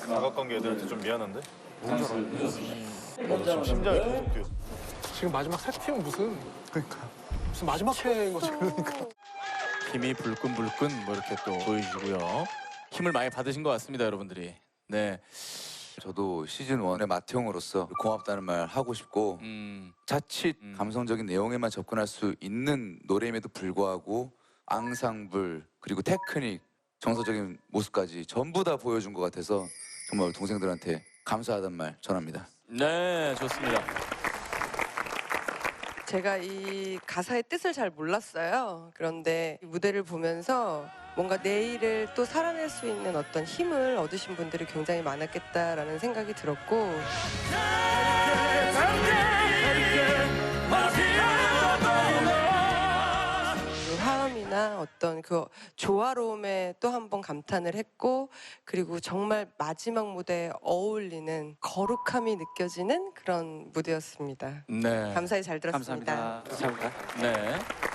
사각관계 애들한테 좀 미안한데? 너무 잘하네. 지금 심장이 계속 뛰어. 지금 마지막 세팅 무슨 마지막 회인 거지 그러니까. 힘이 불끈불끈 뭐 이렇게 또 보여주고요. 힘을 많이 받으신 것 같습니다, 여러분들이. 네. 저도 시즌 1의 맏형으로서 고맙다는 말 하고 싶고 자칫 감성적인 내용에만 접근할 수 있는 노래임에도 불구하고 앙상블 그리고 테크닉 정서적인 모습까지 전부 다 보여준 것 같아서 정말 동생들한테 감사하다는 말 전합니다. 네, 좋습니다. 제가 이 가사의 뜻을 잘 몰랐어요. 그런데 이 무대를 보면서 뭔가 내일을 또 살아낼 수 있는 어떤 힘을 얻으신 분들이 굉장히 많았겠다라는 생각이 들었고 그 화음이나 어떤 그 조화로움에 또 한 번 감탄을 했고 그리고 정말 마지막 무대에 어울리는 거룩함이 느껴지는 그런 무대였습니다. 네. 감사히 잘 들었습니다. 감사합니다. 네.